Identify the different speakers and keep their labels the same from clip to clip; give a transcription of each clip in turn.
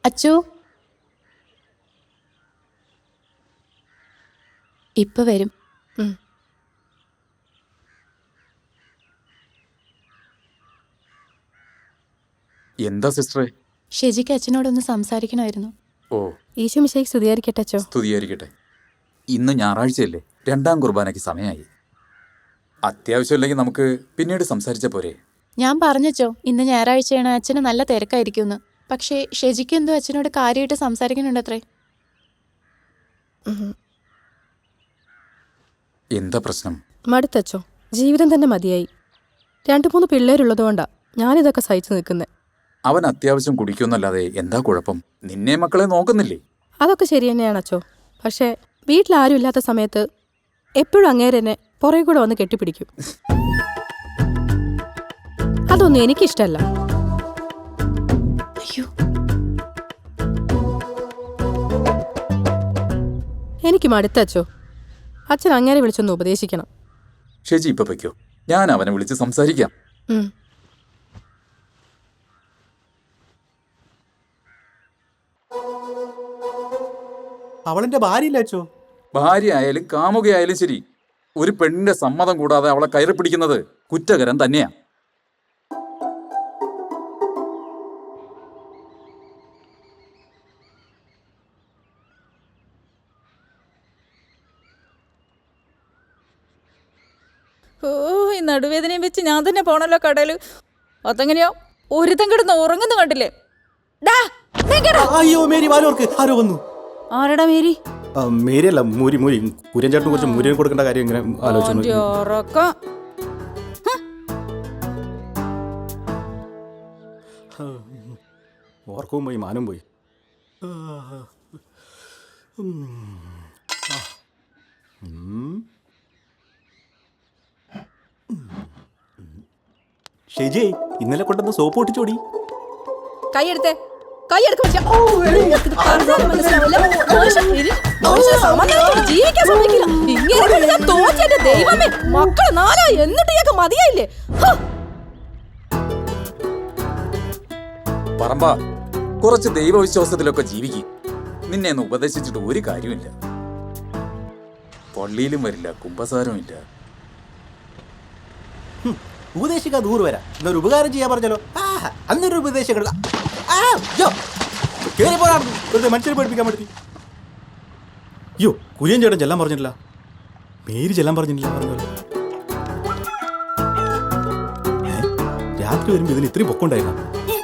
Speaker 1: അച്ചു ഇപ്പൊ വരും.
Speaker 2: എന്താ സിസ്റ്ററെ?
Speaker 1: ഷെജിക്ക് അച്ഛനോടൊന്ന് സംസാരിക്കണമായിരുന്നു.
Speaker 2: ഓ,
Speaker 1: ഈശോ മിശിഹായ്ക്ക് സ്തുതിയായിരിക്കട്ടെ അച്ചോ.
Speaker 2: സ്തുതിയായിരിക്കട്ടെ. ഇന്ന് ഞായറാഴ്ചയല്ലേ, 2ാം കുർബാനയ്ക്ക് സമയമായി. അത്യാവശ്യമില്ലെങ്കിൽ നമുക്ക് പിന്നീട് സംസാരിച്ച പോരെ?
Speaker 1: ഞാൻ പറഞ്ഞച്ചോ ഇന്ന് ഞായറാഴ്ചയാണ്, അച്ഛന് നല്ല തിരക്കായിരിക്കുമെന്ന്. പക്ഷേ ഷെജിക്ക് എന്തോ അച്ഛനോട് കാര്യമായിട്ട് സംസാരിക്കുന്നുണ്ടത്രേ.
Speaker 2: എന്താ പ്രശ്നം?
Speaker 3: മടുത്തച്ചോ, ജീവിതം തന്നെ മതിയായി. 2-3 പിള്ളേരുള്ളതുകൊണ്ടാ ഞാനിതൊക്കെ സഹിച്ചു നിൽക്കുന്നത്.
Speaker 2: അവൻ അത്യാവശ്യം കുടിക്കുമെന്നല്ലാതെ എന്താ കുഴപ്പം? നിന്നെ മക്കളെ നോക്കുന്നില്ലേ?
Speaker 3: അതൊക്കെ ശരി തന്നെയാണച്ചോ. പക്ഷേ വീട്ടിലാരും ഇല്ലാത്ത സമയത്ത് എപ്പോഴും അങ്ങേരെന്നെ പുറകെ കൂടെ വന്ന് കെട്ടിപ്പിടിക്കും. അതൊന്നും എനിക്കിഷ്ടല്ല.
Speaker 1: അയ്യോ,
Speaker 3: എനിക്ക് മടുത്തച്ചോ. അച്ഛൻ അങ്ങേരെ വിളിച്ചൊന്ന് ഉപദേശിക്കണം.
Speaker 2: ഷെജി ഇപ്പൊ വയ്ക്കോ, ഞാൻ അവനെ വിളിച്ച് സംസാരിക്കാം.
Speaker 4: അവളെന്റെ ഭാര്യയില്ല അച്ചോ.
Speaker 2: ഭാര്യ ആയാലും കാമുകയായാലും ശരി, ഒരു പെണ്ണിന്റെ സമ്മതം കൂടാതെ അവളെ കയറി പിടിക്കുന്നത് കുറ്റകരം തന്നെയാ.
Speaker 5: ഓ, ഈ നടുവേദനയും വെച്ച് ഞാൻ തന്നെ പോണല്ലോ കടയിൽ. അതെങ്ങനെയോ ഒരുത്തം കിടന്ന് ഉറങ്ങുന്നു കണ്ടില്ലേ?
Speaker 4: അയ്യോ മേരി, വാലോർക്ക് ആരോ വന്നു.
Speaker 5: ആരടാ മേരി?
Speaker 4: മേരി അല്ല, മൂരി. കുര്യൻചേട്ടന് കുറച്ച് മുരിയൻ കൊടുക്കേണ്ട കാര്യം ഇങ്ങനെ ആലോചിച്ചു. ഓർക്കവും പോയി, മാനും പോയി. ഷെജി, ഇന്നലെ കൊണ്ടുവന്ന സോപ്പ് പൊട്ടിച്ചോടി.
Speaker 5: കൈയെടുത്തേ, മക്കള് നാലാ എന്നിട്ട് മതിയായില്ലേ?
Speaker 2: പറമ്പാ, കുറച്ച് ദൈവവിശ്വാസത്തിലൊക്കെ ജീവിക്കും. നിന്നെ ഒന്ന് ഉപദേശിച്ചിട്ട് ഒരു കാര്യമില്ല. പള്ളിയിലും വരില്ല, കുമ്പസാരവും ഇല്ല.
Speaker 4: ഉപദേശിക്കാൻ 100 വരാം. എന്നൊരു ഉപകാരം ചെയ്യാൻ പറഞ്ഞല്ലോ. അന്നൊരു ഉപദേശം മനുഷ്യരെ പഠിപ്പിക്കാൻ പറ്റി. അയ്യോ, കുര്യൻ ചേട്ടൻ ചെല്ലാൻ പറഞ്ഞിട്ടില്ല, മേരി ചെല്ലാൻ പറഞ്ഞിട്ടില്ല. പറഞ്ഞല്ലോ രാത്രി വരുമ്പോ ഇതിന് ഇത്രയും പൊക്കമുണ്ടായിരുന്നു.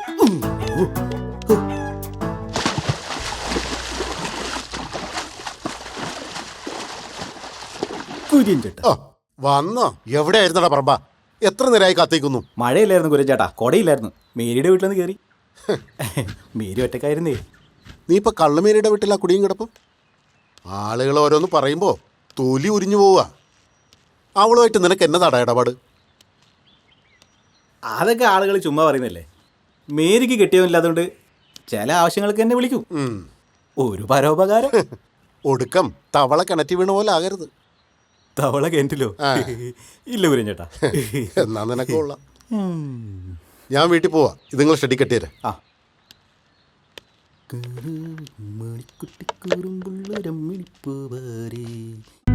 Speaker 4: കുര്യൻ ചേട്ടാ
Speaker 6: വന്നോ? എവിടെയായിരുന്നടാ പറമ്പ? എത്ര നേരമായി കാത്തിക്കുന്നു?
Speaker 4: മഴയില്ലായിരുന്നു കുര്യൻ ചേട്ടാ, കൊടയില്ലായിരുന്നു. മേരിയുടെ വീട്ടിൽ നിന്ന് കയറി. മേരി ഒറ്റക്കായിരുന്നേ.
Speaker 6: നീ ഇപ്പൊ കള്ളുമേരിയുടെ വീട്ടിലാ കുടിയും കിടപ്പും? ആളുകൾ ഓരോന്ന് പറയുമ്പോ തൊലി ഉരിഞ്ഞു പോവുക. അവളുമായിട്ട് നിനക്ക് എന്നതാടാ ഇടപാട്?
Speaker 4: അതൊക്കെ ആളുകൾ ചുമ്മാ പറയുന്നല്ലേ. മേരിക്ക് കെട്ടിയവനില്ലാത്തതുകൊണ്ട് ചില ആവശ്യങ്ങൾക്ക് എന്നെ വിളിക്കും. ഒരു പരോപകാരം.
Speaker 6: ഒടുക്കം തവള കിണറ്റി വീണ പോലെ ആകരുത്.
Speaker 4: തവള കിണറ്റിലോ? ഇല്ല കുര്യൻ ചേട്ടാ.
Speaker 6: എന്നാ നിനക്ക് കൊള്ളാം. ഞാൻ വീട്ടിൽ പോവാ. ഇത് നിങ്ങൾ ഷെഡി കെട്ടിയരെ.
Speaker 4: മണിക്കുട്ടിക്കൂറും